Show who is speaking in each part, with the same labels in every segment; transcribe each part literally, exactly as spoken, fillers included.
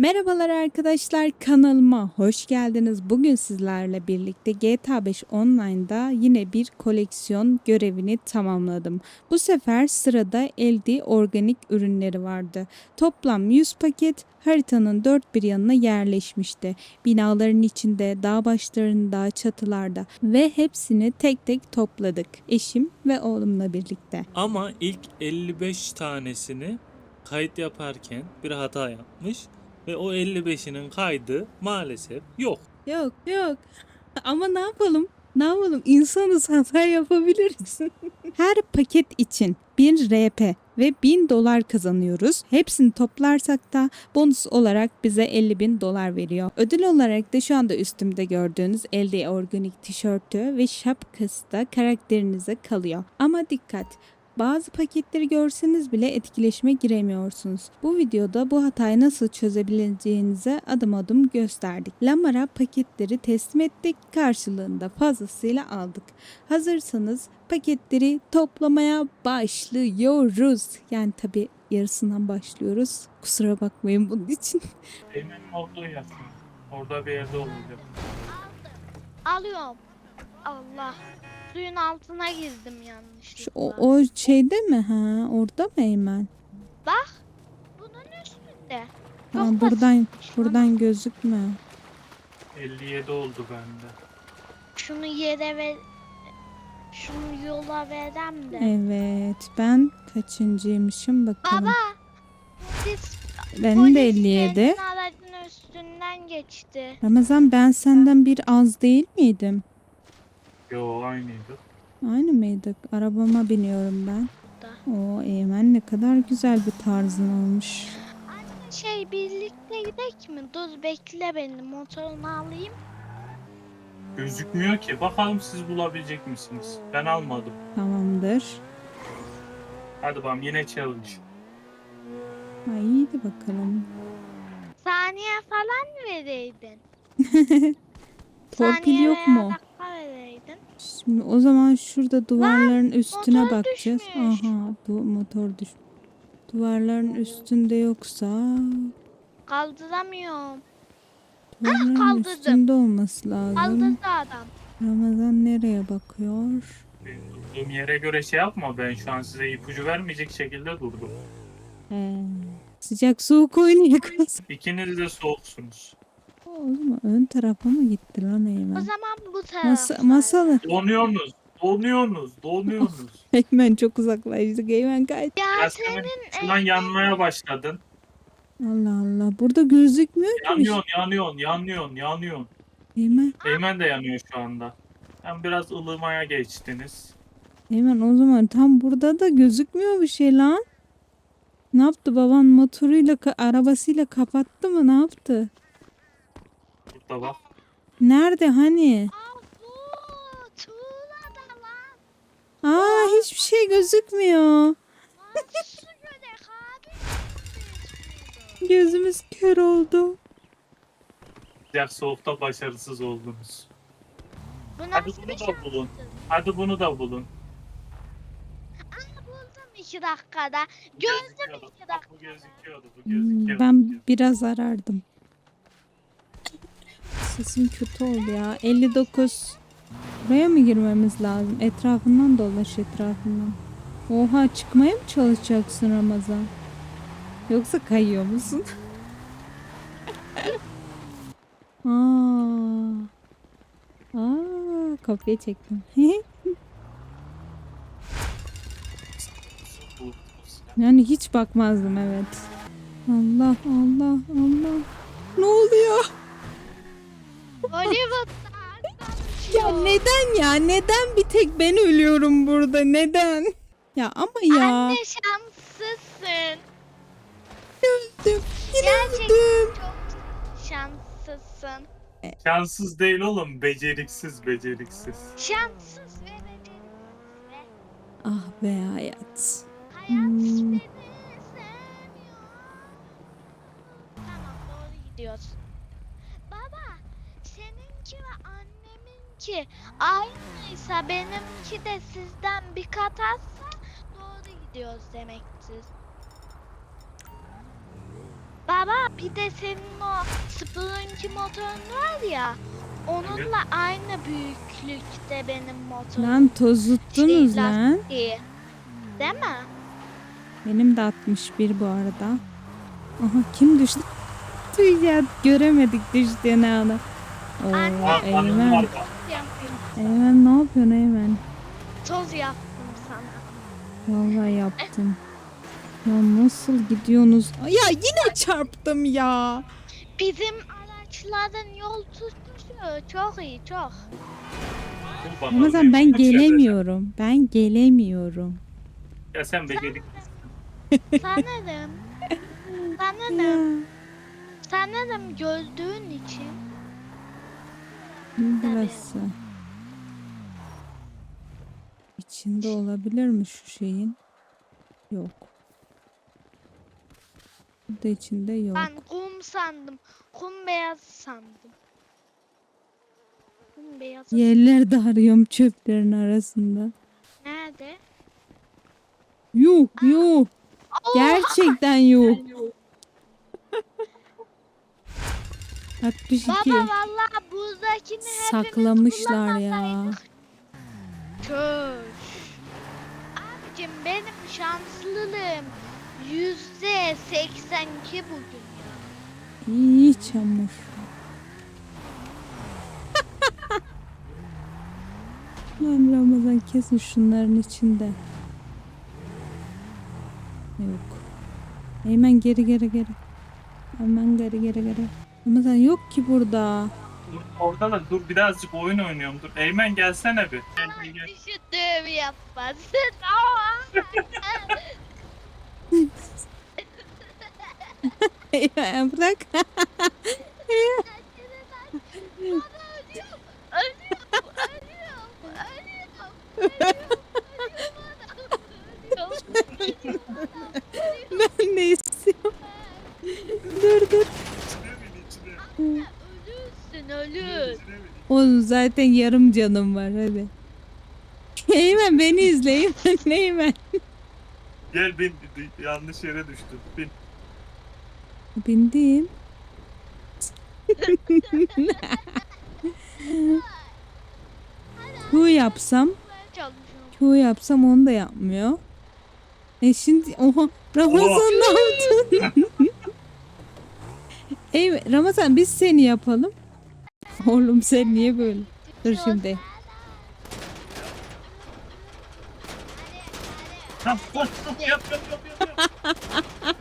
Speaker 1: Merhabalar arkadaşlar, kanalıma hoş geldiniz. Bugün sizlerle birlikte G T A beş Online'da yine bir koleksiyon görevini tamamladım. Bu sefer sırada L D organik ürünleri vardı. Toplam yüz paket haritanın dört bir yanına yerleşmişti. Binaların içinde, dağ başlarında, çatılarda ve hepsini tek tek topladık. Eşim ve oğlumla birlikte.
Speaker 2: Ama ilk elli beş tanesini kayıt yaparken bir hata yapmış ve o elli beşinin kaydı maalesef yok.
Speaker 1: Yok yok. Ama ne yapalım? Ne yapalım? İnsanız, hata yapabiliriz. Her paket için bir R P ve bin dolar kazanıyoruz. Hepsini toplarsak da bonus olarak bize elli bin dolar veriyor. Ödül olarak da şu anda üstümde gördüğünüz L D organik tişörtü ve şapkası da karakterinize kalıyor. Ama dikkat! Bazı paketleri görseniz bile etkileşime giremiyorsunuz. Bu videoda bu hatayı nasıl çözebileceğinize adım adım gösterdik. Lamar'a paketleri teslim ettik, karşılığında fazlasıyla aldık. Hazırsanız paketleri toplamaya başlıyoruz. Yani tabi yarısından başlıyoruz. Kusura bakmayın bunun için.
Speaker 2: Emin olduğu yazsın. Orada bir yerde olacak.
Speaker 3: Alıyorum. Allah. Suyun altına girdim
Speaker 1: Şu,
Speaker 3: yanlışlıkla.
Speaker 1: o, o şeyde mi? Ha, orada mı Eymen?
Speaker 3: Bak. Bunun üstünde. Çok
Speaker 1: Ha, buradan
Speaker 3: basitmiş lan.
Speaker 1: buradan gözükmüyor.
Speaker 2: elli yedi oldu bende.
Speaker 3: Şunu yere ver. Şunu yola verem de.
Speaker 1: Evet, ben kaçıncıymışım bakalım.
Speaker 3: Baba. Polis,
Speaker 1: Benim
Speaker 3: polis
Speaker 1: de elli yedi.
Speaker 3: senin aracın üstünden geçti.
Speaker 1: Ramazan, ben senden bir az değil miydim?
Speaker 2: Yo, aynıydı.
Speaker 1: Aynı mıydık? Arabama biniyorum ben.
Speaker 3: Da.
Speaker 1: Oo Eymen, ne kadar güzel bir tarzın olmuş.
Speaker 3: Anne şey birlikte gidek mi? Dur bekle beni. Motorumu alayım.
Speaker 2: Gözükmüyor ki. Bakalım siz bulabilecek misiniz? Ben almadım.
Speaker 1: Tamamdır.
Speaker 2: Hadi bakalım, yine challenge.
Speaker 1: Ha, iyiydi bakalım.
Speaker 3: Saniye falan mı vereydin?
Speaker 1: Torpil
Speaker 3: Saniye
Speaker 1: yok
Speaker 3: veya
Speaker 1: mu?
Speaker 3: dakika vereydin.
Speaker 1: Şimdi o zaman şurada duvarların üstüne
Speaker 3: motor
Speaker 1: bakacağız.
Speaker 3: düşmüş.
Speaker 1: Aha, bu motor düş. Duvarların üstünde yoksa
Speaker 3: Kaldıramıyorum.
Speaker 1: duvarların
Speaker 3: kaldırdım.
Speaker 1: üstünde olması lazım.
Speaker 3: Kaldırdı adam.
Speaker 1: Ramazan nereye bakıyor?
Speaker 2: Benim durduğum yere göre şey yapma, ben şu an size ipucu vermeyecek şekilde durdum.
Speaker 1: He. Sıcak soğuk oynayakalız.
Speaker 2: İkiniz de soğuksunuz.
Speaker 1: O zaman ön tarafa mı gitti lan
Speaker 3: O
Speaker 1: Eymen?
Speaker 3: zaman bu taraf.
Speaker 1: Masa, masalı.
Speaker 2: Donuyorsunuz, donuyorsunuz, donuyorsunuz.
Speaker 1: Eymen çok uzaklaştık. Eymen kaç.
Speaker 3: Ya
Speaker 2: Yasemin,
Speaker 3: senin
Speaker 2: şu an yanmaya başladın.
Speaker 1: Allah Allah. Burada gözükmüyor ki. bir şey.
Speaker 2: Yanıyorsun, yanıyorsun, yanıyorsun, yanıyorsun.
Speaker 1: Eymen.
Speaker 2: Eymen de yanıyor şu anda. Hem biraz ılımaya geçtiniz.
Speaker 1: Eymen, o zaman tam burada da gözükmüyor bir şey lan. Ne yaptı baban, motoruyla ka- arabasıyla kapattı mı, ne yaptı?
Speaker 2: Burada bak.
Speaker 1: Nerede hani?
Speaker 3: Aa, bu tuğlada lan.
Speaker 1: Aa, hiçbir şey gözükmüyor.
Speaker 3: Nasıl göre abi?
Speaker 1: Gözümüz kör oldu.
Speaker 2: Sıcak soğukta başarısız oldunuz.
Speaker 3: Bu
Speaker 2: Hadi
Speaker 3: nasıl
Speaker 2: bunu
Speaker 3: bir
Speaker 2: da
Speaker 3: şanstır?
Speaker 2: bulun. Hadi bunu da bulun.
Speaker 3: Aa, buldum iki dakikada. Gördüm
Speaker 2: Gözüküyordu.
Speaker 3: iki
Speaker 2: Bak, bu
Speaker 3: dakikada.
Speaker 2: gözüküyordu. Bu
Speaker 1: Hmm,
Speaker 2: gözüküyordu.
Speaker 1: ben biraz arardım. Sesim kötü oldu ya. elli dokuz. Buraya mı girmemiz lazım? Etrafından dolaş, etrafından. Oha, çıkmaya mı çalışacaksın Ramazan? Yoksa kayıyor musun? Aa. Aa, kopya çektim.
Speaker 2: Bu-
Speaker 1: Yani hiç bakmazdım, evet. Allah Allah Allah. Ne oluyor?
Speaker 3: Hollywood'da
Speaker 1: Ya neden ya? Neden bir tek ben ölüyorum burada? Neden? Ya ama ya.
Speaker 3: Anne şanslısın.
Speaker 1: Öldüm. Yine
Speaker 3: Gerçekten
Speaker 1: öldüm.
Speaker 3: çok şanslısın.
Speaker 2: Şanssız değil oğlum. Beceriksiz, beceriksiz.
Speaker 3: Şanssız ve beceriksiz ve
Speaker 1: Ah be hayat.
Speaker 3: hayat
Speaker 1: Hmm.
Speaker 3: beni sevmiyor. Tamam doğru gidiyorsun. Baba seninki ve anneminki aynıysa benimki de sizden bir kat azsa doğru gidiyoruz demektir. Bak Baba bir de senin o Spelunky motorun var ya. Onunla aynı büyüklükte benim motorum.
Speaker 1: Lan tozuttunuz
Speaker 3: Şey,
Speaker 1: lan.
Speaker 3: lastiği. Değil mi?
Speaker 1: Benim de altmış bir bu arada. Aha kim düştü? Tüy ya göremedik düştüğünü ana. Oo,
Speaker 3: Anne.
Speaker 1: Eymen.
Speaker 3: Yapayım.
Speaker 1: Eymen ne yapıyorsun Eymen?
Speaker 3: Toz yaptım sana.
Speaker 1: Vallahi yaptım. Ya nasıl gidiyorsunuz? Ay, ya yine çarptım ya.
Speaker 3: Bizim araçların yol tutuşu çok iyi çok.
Speaker 1: Ramazan ben gelemiyorum. Ben gelemiyorum.
Speaker 2: Ya sen becerik.
Speaker 3: Sanırım. Sanırım.
Speaker 1: Ya.
Speaker 3: Sanırım gördüğün için.
Speaker 1: Burası. İçinde olabilir mi şu şeyin? Yok. Burada içinde yok.
Speaker 3: Ben kum sandım. Kum beyaz sandım. Kum beyazı
Speaker 1: Yerlerde arıyorum çöplerin arasında.
Speaker 3: nerede?
Speaker 1: Yok yok. Gerçekten yok. altmış iki.
Speaker 3: Baba vallahi buradakini hepimiz
Speaker 1: Saklamışlar ya.
Speaker 3: kullanmasaydık. Köş. Abicim benim şanslılığım yüzde seksen iki bugün ya.
Speaker 1: İyi çamur. Lan Ramazan kesin şunların içinde. Yok. Hemen geri geri geri. Hemen geri geri geri. Ramazan yok ki burada.
Speaker 2: Dur, orada da dur birazcık oyun oynuyorum. Dur Eymen gelsene bir. Gel, gel, gel.
Speaker 3: Düşündüğümü yapmasın. Aa!
Speaker 1: Ya bırak.
Speaker 3: Ölüyorum, ölüyorum, ölüyorum, ölüyorum,
Speaker 1: Ben ne istiyorum? Dur dur.
Speaker 3: ölürsün, ölür.
Speaker 1: Oğlum zaten yarım canım var hadi. Eymen beni izle Eymen Eymen.
Speaker 2: Gel bin, bin- yanlış yere düştün. Bin.
Speaker 1: Bindim. Q yapsam,
Speaker 3: Çalışıyorum.
Speaker 1: Q yapsam onu da yapmıyor. E şimdi oha Ramazan ne yaptın? Ey Ramazan biz seni yapalım. Oğlum sen niye böyle? Dur şimdi.
Speaker 2: Tamam, koş, koş, yap, yap, yap, yap, yap.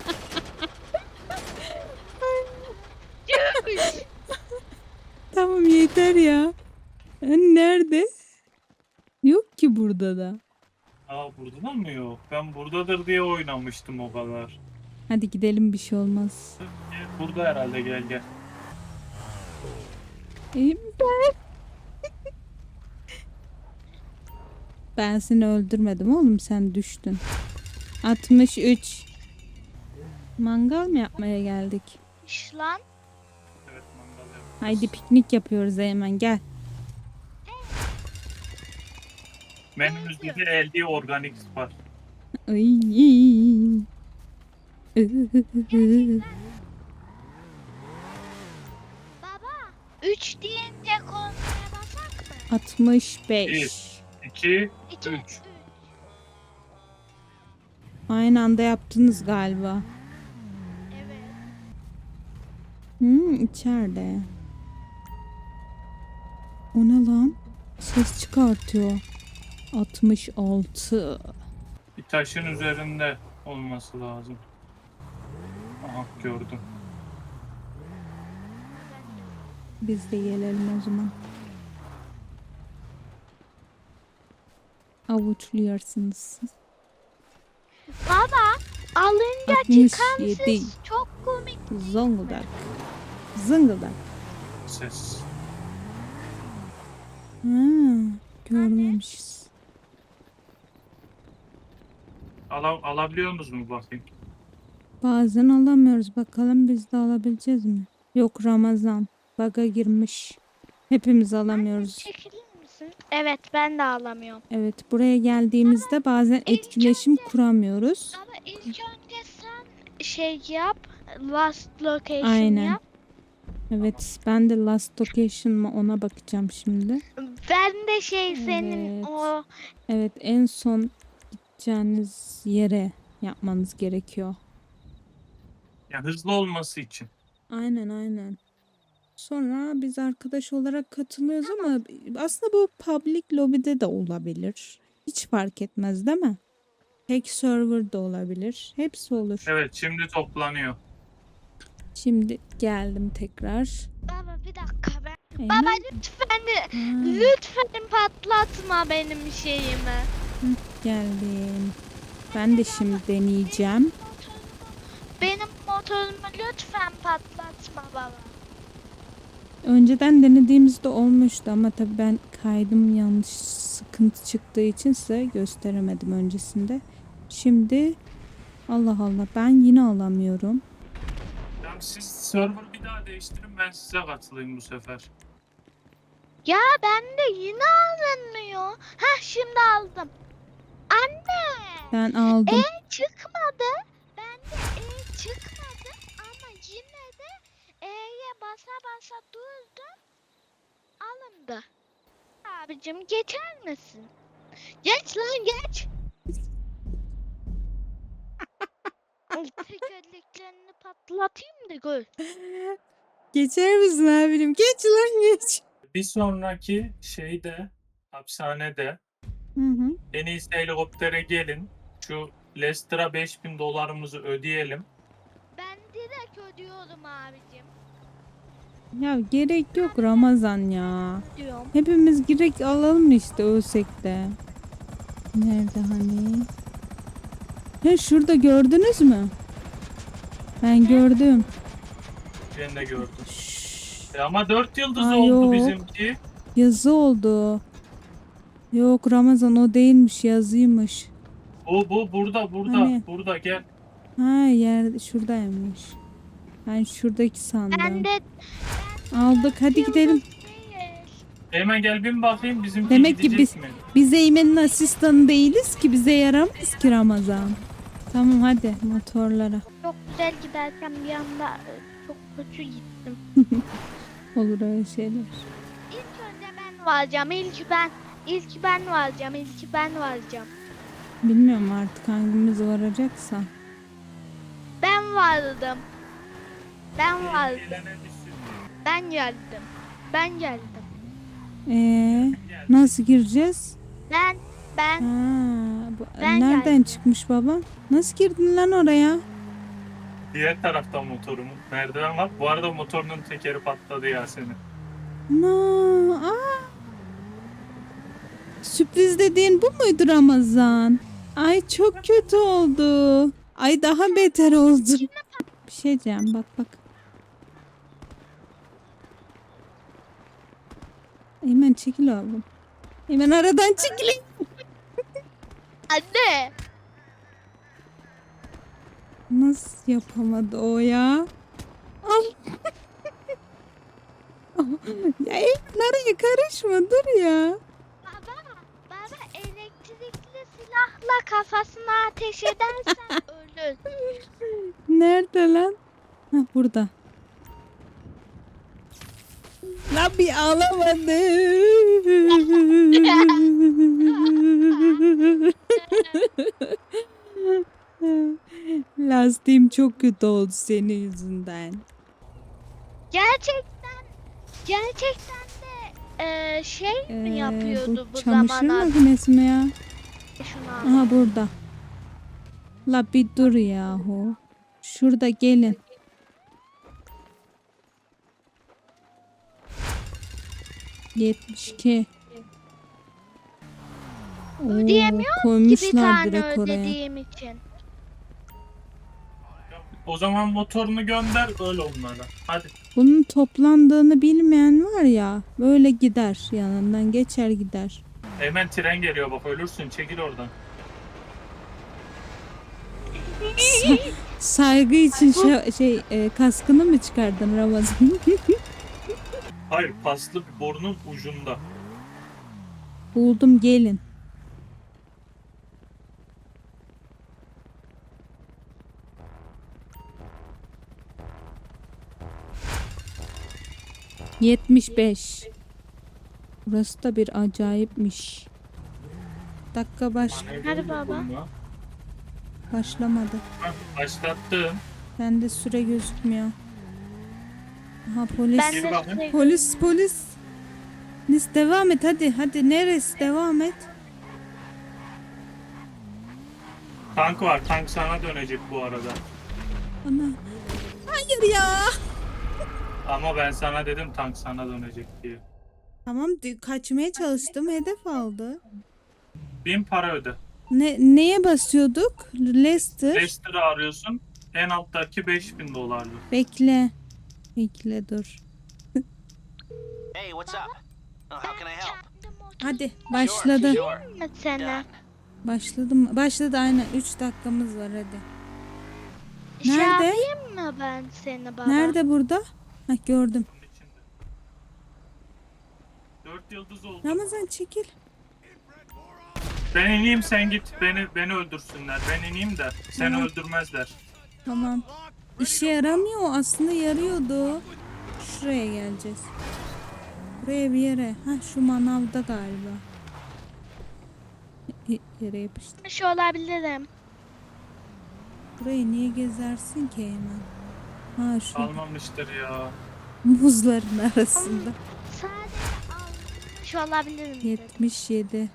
Speaker 1: Tamam yeter ya. Ha, nerede? Yok ki burada da.
Speaker 2: Aa burada da mı yok? Ben buradadır diye oynamıştım o kadar.
Speaker 1: Hadi gidelim bir şey olmaz.
Speaker 2: Gel, burada herhalde gel gel.
Speaker 1: İyiyim ben. Ben seni öldürmedim oğlum sen düştün. altmış üç. Mangal mı yapmaya geldik?
Speaker 3: İş lan.
Speaker 2: Evet mangal yap.
Speaker 1: Haydi piknik yapıyoruz hemen gel.
Speaker 2: Menümüzde de elde organik var.
Speaker 1: Ay.
Speaker 3: Baba. Üç deyince kornaya basak mı?
Speaker 1: altmış beş.
Speaker 2: İki,
Speaker 3: İki,
Speaker 2: üç.
Speaker 3: üç.
Speaker 1: Aynı anda yaptınız galiba.
Speaker 3: Evet.
Speaker 1: Hmm, içeride. O ne lan? Ses çıkartıyor. altmış altı.
Speaker 2: Bir taşın üzerinde olması lazım. Aha gördüm.
Speaker 1: Biz de gelelim o zaman. Avuçluyorsunuz.
Speaker 3: Baba. Alınca
Speaker 1: altmış
Speaker 3: çıkan
Speaker 1: yedi.
Speaker 3: ses çok komik.
Speaker 1: Zonguldak. Zıngıldak.
Speaker 2: Ses.
Speaker 1: Ha, görmemişiz.
Speaker 2: Ala, alabiliyor musunuz mu bakayım?
Speaker 1: Bazen alamıyoruz. Bakalım biz de alabileceğiz mi? Yok Ramazan. Baga girmiş. Hepimiz alamıyoruz.
Speaker 3: Çekilir misin? Evet ben de alamıyorum.
Speaker 1: Evet buraya geldiğimizde bazen etkileşim kuramıyoruz.
Speaker 3: Ama ilk önce sen şey yap. last location
Speaker 1: Aynen.
Speaker 3: yap.
Speaker 1: Evet, ben de last location mı ona bakacağım şimdi.
Speaker 3: Ben de şey senin
Speaker 1: Evet.
Speaker 3: o
Speaker 1: Evet, en son gideceğiniz yere yapmanız gerekiyor.
Speaker 2: Ya hızlı olması için.
Speaker 1: Aynen aynen. Sonra biz arkadaş olarak katılıyoruz ama aslında bu public lobby'de de olabilir. Hiç fark etmez değil mi? Tek server da olabilir. Hepsi olur.
Speaker 2: Evet, şimdi toplanıyor.
Speaker 1: Şimdi geldim tekrar.
Speaker 3: baba bir dakika ben.
Speaker 1: Eymen.
Speaker 3: Baba lütfen
Speaker 1: Ha,
Speaker 3: lütfen patlatma benim şeyimi.
Speaker 1: geldim. Ben de şimdi deneyeceğim.
Speaker 3: Benim motorumu lütfen patlatma baba.
Speaker 1: Önceden denediğimizde olmuştu ama tabii ben kaydım yanlış sıkıntı çıktığı için size gösteremedim öncesinde. Şimdi Allah Allah ben yine alamıyorum.
Speaker 2: Tamam, siz server bir daha değiştirin, ben size katılayım bu sefer.
Speaker 3: Ya bende yine alınmıyor. Heh şimdi aldım. Anne.
Speaker 1: Ben aldım.
Speaker 3: E çıkmadı. Bende E çıkmadı ama yine de E'ye basa basa durdum. Alındı. Abicim geçer misin? Geç lan geç. Tekerleklerini patlatayım da gör.
Speaker 1: Geçer misin abim? Geç lan geç.
Speaker 2: Bir sonraki şeyde, hapishanede
Speaker 1: Hı hı.
Speaker 2: en iyisi helikoptere gelin. Şu Lester'a beş bin dolarımızı ödeyelim.
Speaker 3: Ben direkt ödüyorum abicim.
Speaker 1: Ya gerek yok Ramazan ya.
Speaker 3: Diyorum.
Speaker 1: Hepimiz girek alalım işte ölsek de. Nerede hani? He şurada gördünüz mü? Ben gördüm.
Speaker 2: Ben de gördüm.
Speaker 1: Şşş,
Speaker 2: E ama dört yıldız
Speaker 1: Aa,
Speaker 2: oldu
Speaker 1: yok.
Speaker 2: bizimki.
Speaker 1: yazı oldu. Yok Ramazan o değilmiş yazıymış.
Speaker 2: Bu bu burada burada
Speaker 1: Hani?
Speaker 2: burada gel.
Speaker 1: Ha yer şuradaymış. Ben şuradaki sandım.
Speaker 3: Ben de
Speaker 1: Aldık hadi gidelim.
Speaker 3: değil.
Speaker 2: Hemen gel bin bakayım, bizimki
Speaker 1: Demek ki
Speaker 2: gidecek
Speaker 1: biz-
Speaker 2: mi?
Speaker 1: Biz Eymen'in asistanı değiliz ki bize yaramaz ki Ramazan. Tamam hadi motorlara.
Speaker 3: Çok güzel giderken bir anda e, çok kötü gittim.
Speaker 1: Olur öyle şeyler.
Speaker 3: İlk önce ben varacağım. İlk ben. İlk ben varacağım. İlk ben varacağım.
Speaker 1: Bilmiyorum artık hangimiz varacaksa.
Speaker 3: Ben vardım. Ben vardım.
Speaker 2: Gelene düşsün.
Speaker 3: Ben geldim. Ben geldim.
Speaker 1: Ee, nasıl gireceğiz?
Speaker 3: Ben ben
Speaker 1: Ha, bu-
Speaker 3: Ben
Speaker 1: nereden
Speaker 3: geldim.
Speaker 1: çıkmış baba? Nasıl girdin lan oraya?
Speaker 2: Diğer taraftan motorumun merdiven var. Bu arada motorunun tekeri patladı Yasemin.
Speaker 1: No, aa. Sürpriz dediğin bu muydu Ramazan? Ay çok kötü oldu. Ay daha beter oldu. Bir şey diyeceğim bak bak. Eymen çekil oğlum. Eymen aradan çekil.
Speaker 3: anne.
Speaker 1: Nasıl yapamadı o ya? Al. Ya Eymen araya karışma dur ya.
Speaker 3: Baba, baba elektrikli silahla kafasına ateş edersen ölür.
Speaker 1: Nerede lan? Ha burada. Lan bir ağlamadı. Lastiğim çok kötü oldu senin yüzünden.
Speaker 3: Gerçekten gerçekten de e, şey mi
Speaker 1: Ee,
Speaker 3: yapıyordu bu,
Speaker 1: bu çamaşır
Speaker 3: zamana?
Speaker 1: makinesi mi ya?
Speaker 3: Şunu al.
Speaker 1: Aha burada. La bir dur yahu. Şurada gelin. yetmiş iki. Oo,
Speaker 3: Ödeyemiyorum Ki bir
Speaker 1: koymuşlar
Speaker 3: tane
Speaker 1: direkt oraya.
Speaker 3: ödediğim için.
Speaker 2: O zaman motorunu gönder öyle onlara. Hadi.
Speaker 1: Bunun toplandığını bilmeyen var ya böyle gider yanından geçer gider.
Speaker 2: Hemen tren geliyor bak, ölürsün, çekil oradan.
Speaker 1: Saygı için şa- şey e, kaskını mı çıkardın Ramazan?
Speaker 2: Hayır, paslı bir borunun ucunda.
Speaker 1: Buldum gelin. yetmiş beş. Burası da bir acayipmiş. Dakika baş
Speaker 3: Hadi baba.
Speaker 1: başlamadı.
Speaker 2: Hah, başlattım.
Speaker 1: Bende süre gözükmüyor. Aha polis.
Speaker 3: Ben
Speaker 2: Gir
Speaker 3: de
Speaker 2: bakayım.
Speaker 3: sürekli-
Speaker 1: Polis polis. Nis devam et hadi hadi neresi devam et.
Speaker 2: Tank var. Tank sana dönecek bu arada.
Speaker 1: Ana. Hayır ya.
Speaker 2: Ama ben sana dedim tank sana dönecek diye.
Speaker 1: Tamam di- kaçmaya çalıştım hedef aldı.
Speaker 2: Bin para öde.
Speaker 1: Ne neye basıyorduk? Leicester.
Speaker 2: Leicester'ı arıyorsun. En alttaki beş bin dolarlık.
Speaker 1: Bekle. Bekle dur.
Speaker 4: Hey, what's up? Oh, how can I help?
Speaker 3: Kendim oturup
Speaker 1: Hadi başladı.
Speaker 4: Sure.
Speaker 3: mı seni?
Speaker 4: Done.
Speaker 1: Başladı mı? Başladı aynen. üç dakikamız var hadi.
Speaker 3: Şey
Speaker 1: Nerede?
Speaker 3: yapayım mı ben seni baba?
Speaker 1: Nerede burada? Hah gördüm.
Speaker 2: Bunun içinde. Dört yıldız oldu.
Speaker 1: Ramazan çekil.
Speaker 2: Ben ineyim sen git. Beni beni öldürsünler. Ben ineyim de seni
Speaker 1: Tamam.
Speaker 2: öldürmezler.
Speaker 1: Tamam. İşe yaramıyor. Aslında yarıyordu. Şuraya geleceğiz. Buraya bir yere. Ha şu manavda galiba. Y- Yere yapıştı.
Speaker 3: Şu olabilirim.
Speaker 1: Burayı niye gezersin ki hemen? Ha şu
Speaker 2: Almamıştır ya.
Speaker 1: muzların arasında.
Speaker 3: Sadece almış olabilirim dedim.
Speaker 1: yetmiş yedi.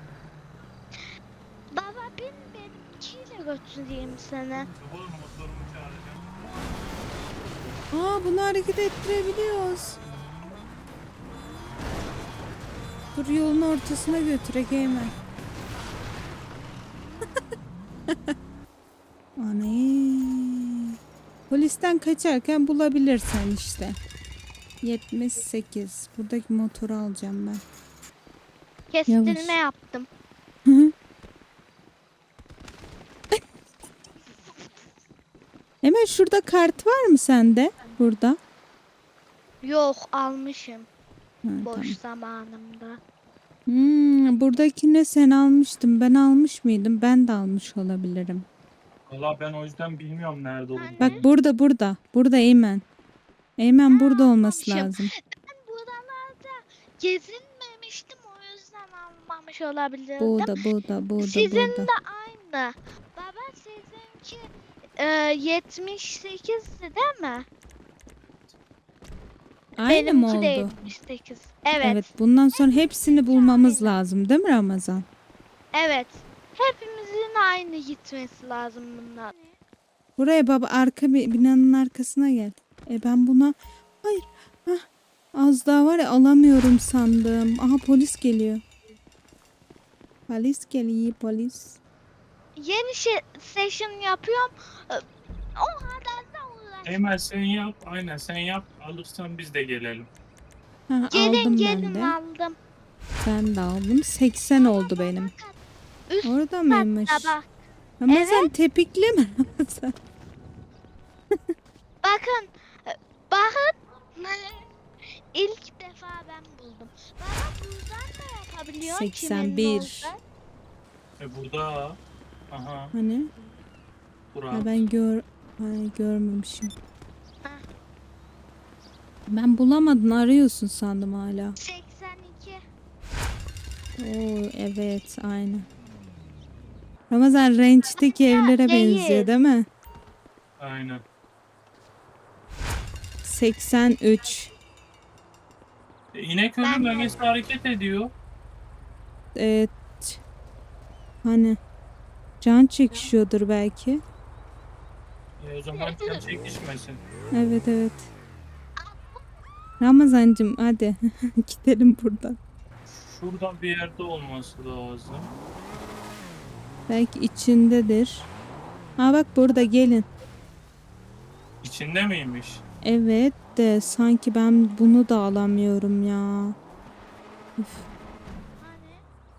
Speaker 3: Baba bin benimkiyle götüreyim seni.
Speaker 2: Olur mu? Motorumu çağıracağım.
Speaker 1: Aa bunu hareket ettirebiliyoruz. Dur yolun ortasına götürek hemen. Aney. Polisten kaçarken bulabilirsen işte. yetmiş sekiz. Buradaki motoru alacağım ben.
Speaker 3: Kestirme
Speaker 1: Yavaş.
Speaker 3: yaptım.
Speaker 1: Hı hı. Hemen şurada kart var mı sende? Burada.
Speaker 3: Yok almışım.
Speaker 1: Ha,
Speaker 3: Boş
Speaker 1: tamam.
Speaker 3: zamanımda.
Speaker 1: Hmm, buradakini sen almıştın. Ben almış mıydım? Ben de almış olabilirim.
Speaker 2: Valla ben o yüzden bilmiyorum nerede olduğunu.
Speaker 1: Bak burada burada. Burada Eymen. Eymen burada olması
Speaker 3: almamışım.
Speaker 1: lazım.
Speaker 3: Ben buralarda gezinmemiştim o yüzden almamış olabilirdim.
Speaker 1: Burada burada burada
Speaker 3: Sizin
Speaker 1: burada.
Speaker 3: de aynı. Baba sizinki e, yetmiş sekizdi değil mi?
Speaker 1: Aynı mı
Speaker 3: Benimki de
Speaker 1: oldu?
Speaker 3: yetmiş sekiz. Evet.
Speaker 1: Evet bundan sonra hepsini bulmamız lazım değil mi Ramazan?
Speaker 3: Evet. Hepimizin aynı gitmesi lazım bunlar.
Speaker 1: Buraya baba arka bir binanın arkasına gel. E ben buna hayır. Hah, az daha var ya alamıyorum sandım. Aha polis geliyor. Polis geliyor polis.
Speaker 3: Yeni şey, session yapıyorum. E, O kadar da uğraş.
Speaker 2: Eymen sen yap. Aynen sen yap. Alırsan biz de gelelim.
Speaker 1: Ha,
Speaker 3: Gelin
Speaker 1: aldım ben
Speaker 3: gelin
Speaker 1: de.
Speaker 3: aldım.
Speaker 1: Ben de aldım. seksen oldu benim.
Speaker 3: Üst
Speaker 1: Orada mıymış?
Speaker 3: katta bak.
Speaker 1: Ramazan tepikleme Ramazan.
Speaker 3: Bakın. e, Bakın. İlk defa ben buldum. Baba buradan da yapabiliyor.
Speaker 1: seksen bir.
Speaker 2: E burada. Aha.
Speaker 1: Hani?
Speaker 2: Bura.
Speaker 1: Ha, ben gör Ay, görmemişim.
Speaker 3: Ha.
Speaker 1: Ben bulamadın arıyorsun sandım hala.
Speaker 3: seksen iki.
Speaker 1: Oo evet aynı. Ramazan range'deki evlere
Speaker 3: değil.
Speaker 1: benziyor değil mi?
Speaker 2: Aynen.
Speaker 1: seksen üç.
Speaker 2: E, İnekölü
Speaker 3: Ben-
Speaker 2: bölgesi hareket ediyor.
Speaker 1: Evet. Hani can çekişiyordur belki.
Speaker 2: E, o zaman can çekişmesin.
Speaker 1: Evet evet. Ramazancım hadi gidelim buradan.
Speaker 2: Şuradan bir yerde olması lazım.
Speaker 1: Belki içindedir. Ha bak burada gelin.
Speaker 2: İçinde miymiş?
Speaker 1: Evet de sanki ben bunu da alamıyorum ya. Üf.
Speaker 3: Hani?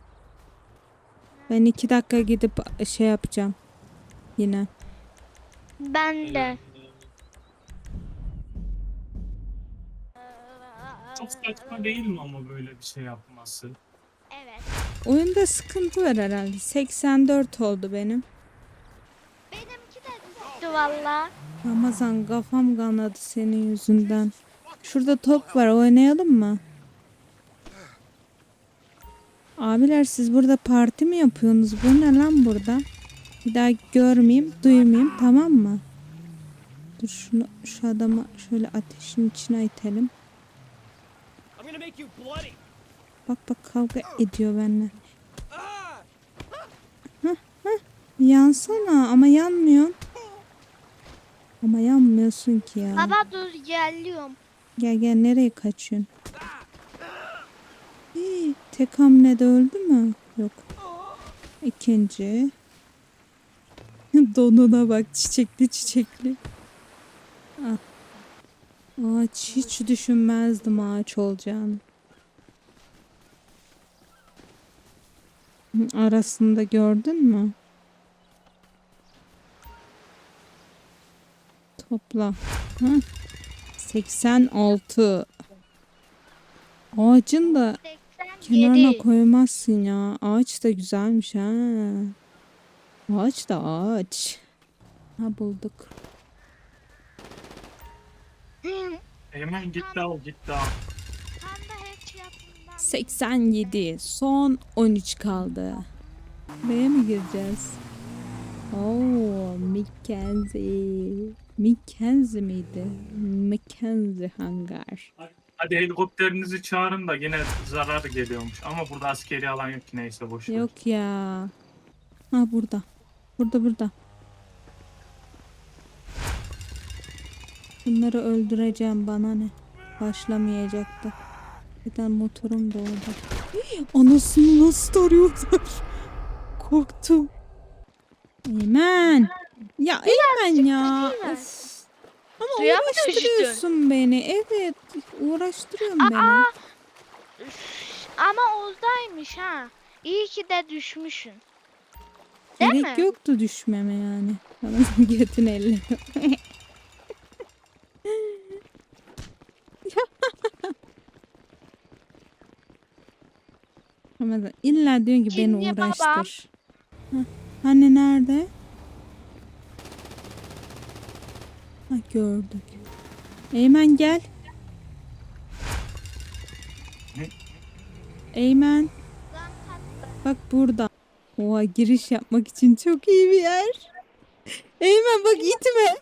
Speaker 1: Ben iki dakika gidip şey yapacağım. Yine.
Speaker 3: Ben de.
Speaker 2: Çok saçma değil mi ama böyle bir şey yapması?
Speaker 3: Evet.
Speaker 1: Oyunda sıkıntı var herhalde. seksen dört oldu benim.
Speaker 3: Benimki de düştü valla.
Speaker 1: Ramazan kafam kanadı senin yüzünden. Şurada top var, oynayalım mı? Abiler siz burada parti mi yapıyorsunuz? Bu ne lan burada? Bir daha görmeyeyim, duymayayım, tamam mı? Dur şunu, şu adamı şöyle ateşin içine itelim.
Speaker 4: I'm gonna make you bloody.
Speaker 1: Bak bak kavga ediyor benimle. Hah hah. Yansana ama yanmıyorsun. Ama yanmıyorsun ki ya.
Speaker 3: Baba dur geliyorum.
Speaker 1: Gel gel nereye kaçıyorsun? Hii, tek hamlede öldü mü? Yok. İkinci. Donuna bak çiçekli çiçekli. Ah. Ağaç hiç düşünmezdim ağaç olacağını. Hı, arasında gördün mü? Topla. Hı? seksen altı. Ağacın da
Speaker 3: seksen yedi.
Speaker 1: kenarına koymazsın ya. Ağaç da güzelmiş ha. Ağaç da ağaç. Ha bulduk.
Speaker 3: Hı,
Speaker 2: Hemen git al git al.
Speaker 3: Tam da hiç yapımdan.
Speaker 1: seksen yedi. Son on üç kaldı. Buraya mı gireceğiz? Oo, Mackenzie. Mackenzie miydi? Mackenzie hangar.
Speaker 2: Hadi helikopterinizi çağırın da yine zarar geliyormuş. Ama burada askeri alan yok ki neyse boş ver.
Speaker 1: Yok ya. Ha burada. Burada burada. Bunları öldüreceğim, bana ne? Başlamayacaktı. Bir tane motorum da orada. Hii, anasını nasıl tarıyorlar? Korktum. Eymen. Ya Eymen ya.
Speaker 3: değil mi?
Speaker 1: Of. Ama
Speaker 3: Suya mı
Speaker 1: uğraştırıyorsun beni. Evet. Uğraştırıyorsun beni.
Speaker 3: Üf, Ama oradaymış ha. İyi ki de düşmüşsün. Değil
Speaker 1: Gerek
Speaker 3: mi?
Speaker 1: yoktu düşmeme yani. Bana götün elle. Ramazan illa diyorsun ki beni
Speaker 3: Şimdi babam-
Speaker 1: uğraştır. Hah, hani nerede? Ha gördük. Eymen gel.
Speaker 2: Ne?
Speaker 1: Eymen bak burada. Oha giriş yapmak için çok iyi bir yer. Eymen bak itme.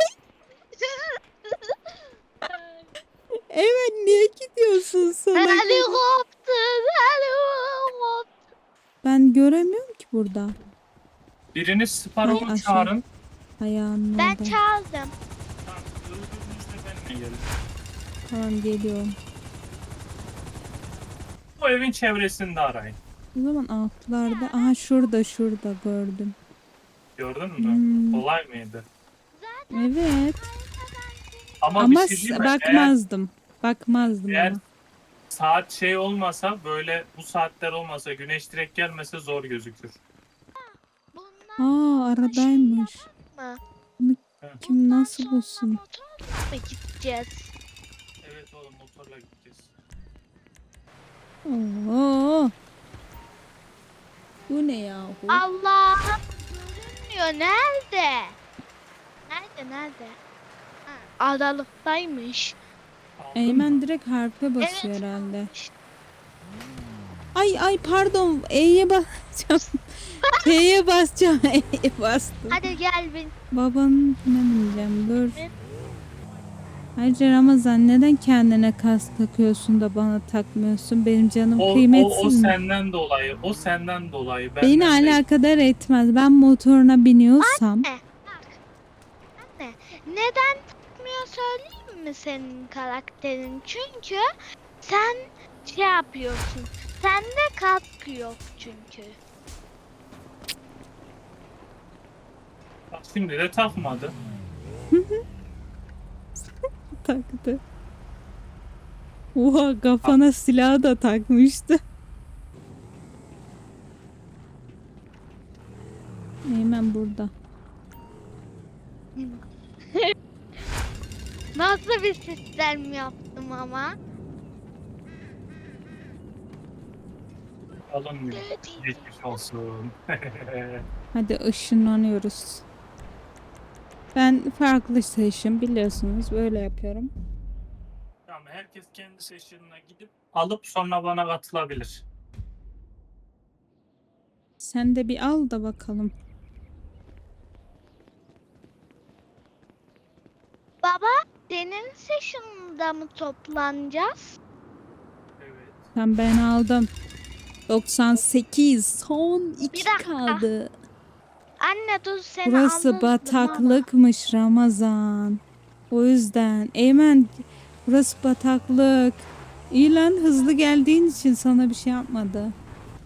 Speaker 1: Eymen niye gidiyorsun salak?
Speaker 3: Helikopter, helikopter.
Speaker 1: Ben göremiyorum ki burada.
Speaker 2: Biriniz
Speaker 1: Ay,
Speaker 2: Sparrow'u
Speaker 1: aşağı.
Speaker 2: çağırın.
Speaker 1: Ayağının
Speaker 3: Ben
Speaker 1: orada.
Speaker 3: çaldım.
Speaker 2: Tamam, öldürdüğünüzde benimle gelin.
Speaker 1: Tamam geliyorum.
Speaker 2: Bu evin çevresinde arayın.
Speaker 1: O zaman altlarda. Aha şurada şurada gördüm.
Speaker 2: Gördün mü?
Speaker 1: Hmm.
Speaker 2: Kolay mıydı?
Speaker 1: Evet.
Speaker 2: Ama,
Speaker 1: Ama
Speaker 2: bir şey diyeyim mi? Eğer,
Speaker 1: bakmazdım. Bakmazdım
Speaker 2: eğer
Speaker 1: ama.
Speaker 2: saat şey olmasa böyle bu saatler olmasa güneş direkt gelmese zor gözükür.
Speaker 3: Bunlar
Speaker 1: Aa aradaymış.
Speaker 3: mı?
Speaker 1: Kim nasıl
Speaker 3: Sonra
Speaker 1: bulsun?
Speaker 3: motorla mı gideceğiz?
Speaker 2: Evet oğlum motorla gideceğiz.
Speaker 1: Oo. Bu ne yahu?
Speaker 3: Allah'ım görünmüyor. Nerede? Nerede nerede? Ha, aralıktaymış.
Speaker 2: Aldın
Speaker 1: Eymen
Speaker 2: mı?
Speaker 1: direkt harfe basıyor
Speaker 3: Evet.
Speaker 1: herhalde. Ay ay pardon. E'ye basacağım. T'ye basacağım. E'ye bastım.
Speaker 3: Hadi gel bin.
Speaker 1: Babanın ne bineceğim dur.
Speaker 3: Evet.
Speaker 1: Ayrıca Ramazan neden kendine kask takıyorsun da bana takmıyorsun? Benim canım
Speaker 2: O, o, o
Speaker 1: kıymetsiz mi?
Speaker 2: senden dolayı. O senden dolayı.
Speaker 1: Beni
Speaker 2: benden değil.
Speaker 1: alakadar etmez. Ben motoruna biniyorsam
Speaker 3: Anne. Bak. Anne. Neden takmıyor söyleyeyim mi senin karakterin? Çünkü sen şey yapıyorsun. Sende kask yok çünkü.
Speaker 2: Bak şimdi de takmadı.
Speaker 1: taktı. Oha kafana silah da takmıştı. Hemen burada.
Speaker 3: Nasıl bir sistem yaptım ama?
Speaker 2: Alınmıyor. Geçmiş olsun.
Speaker 1: Hadi ışınlanıyoruz. Ben farklı seçim biliyorsunuz böyle yapıyorum.
Speaker 2: Ya Tamam, herkes kendi session'ına gidip alıp sonra bana katılabilir.
Speaker 1: Sen de bir al da bakalım.
Speaker 3: Baba, senin session'da mı toplanacağız?
Speaker 2: Evet.
Speaker 1: Tamam, ben aldım. doksan sekiz. Son iki
Speaker 3: dakika.
Speaker 1: kaldı.
Speaker 3: Anne dur seni
Speaker 1: Burası
Speaker 3: alırdım
Speaker 1: bataklıkmış Ramazan. O yüzden. Eymen, burası bataklık. İyi lan, hızlı geldiğin için sana bir şey yapmadı.
Speaker 3: ama.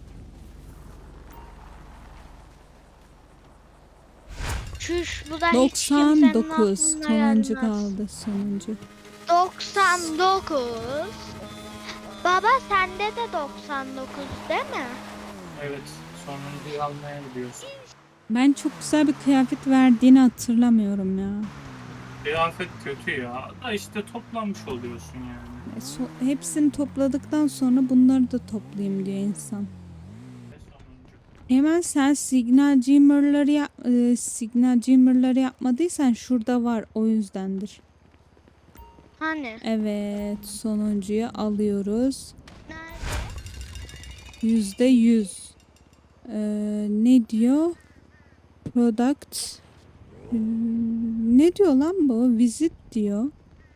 Speaker 3: Çüş bu da hiç kimsenin
Speaker 1: doksan dokuz.
Speaker 3: aklına
Speaker 1: Sonuncu
Speaker 3: gelmez.
Speaker 1: kaldı. Sonuncu.
Speaker 3: doksan dokuz. Baba sende de doksan dokuz değil mi?
Speaker 2: Evet. Sonuncuyu almaya gidiyorsun.
Speaker 1: Ben çok güzel bir kıyafet verdiğini hatırlamıyorum ya.
Speaker 2: Kıyafet kötü ya. Da işte toplamış oluyorsun yani.
Speaker 1: E, so- hepsini topladıktan sonra bunları da toplayayım diyor insan.
Speaker 2: Ve sonuncu.
Speaker 1: Hemen sen signal jimmer'ları yap e, signal jimmer'ları yapmadıysan şurada var, o yüzdendir.
Speaker 3: Hani?
Speaker 1: Evet, sonuncuyu alıyoruz.
Speaker 3: Nerede?
Speaker 1: Yüzde yüz. Ee, ne diyor? Product. Hmm, ne diyor lan bu? Visit diyor.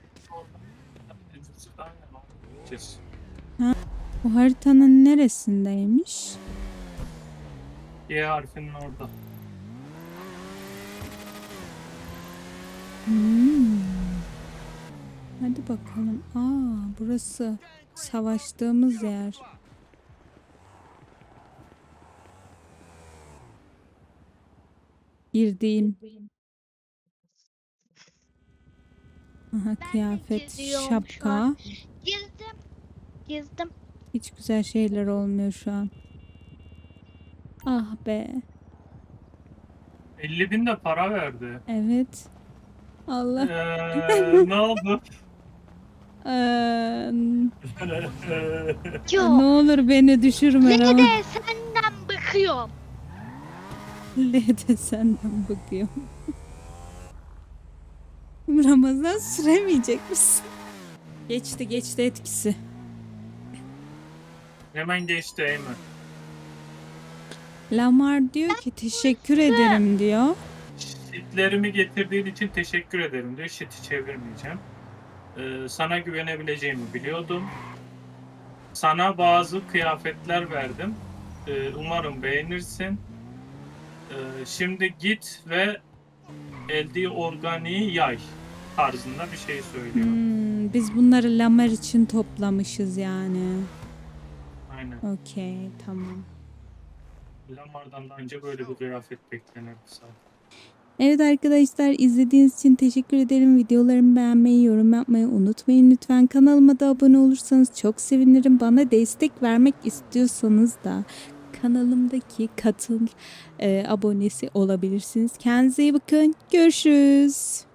Speaker 2: Aynen. Kes.
Speaker 1: O haritanın neresindeymiş?
Speaker 2: Y harfinin orada.
Speaker 1: Hmm. Hadi bakalım. Aa, burası savaştığımız yer. Girdiğim. Aha, kıyafet,
Speaker 3: giriyorum şu
Speaker 1: şapka.
Speaker 3: an. Girdim. Girdim.
Speaker 1: Hiç güzel şeyler olmuyor şu an. Ah be.
Speaker 2: elli bin de para verdi.
Speaker 1: Evet. Allah.
Speaker 2: Eee ne oldu?
Speaker 1: Eee,
Speaker 3: Yok.
Speaker 1: ne olur beni düşürme
Speaker 3: Ne
Speaker 1: Ramazan.
Speaker 3: de senden bıkıyorum.
Speaker 1: Ne de senden bakıyorum. Ramazan süremeyecek misin? Geçti geçti etkisi.
Speaker 2: Hemen geçti Eymen.
Speaker 1: Lamar diyor ki teşekkür ederim diyor.
Speaker 2: Shitlerimi getirdiğin için teşekkür ederim diyor. Shit'i çevirmeyeceğim. Ee, sana güvenebileceğimi biliyordum. Sana bazı kıyafetler verdim. Ee, umarım beğenirsin. Ee, şimdi git ve elde organiği yay tarzında bir şey söylüyor.
Speaker 1: Hmm, biz bunları Lamar için toplamışız yani.
Speaker 2: Aynen.
Speaker 1: Okey, tamam.
Speaker 2: Lamar'dan da önce böyle bir kıyafet beklenirdi zaten.
Speaker 1: Evet arkadaşlar, izlediğiniz için teşekkür ederim. Videolarımı beğenmeyi, yorum yapmayı unutmayın lütfen. Kanalıma da abone olursanız çok sevinirim. Bana destek vermek istiyorsanız da kanalımdaki katıl e, abonesi olabilirsiniz. Kendinize iyi bakın. Görüşürüz.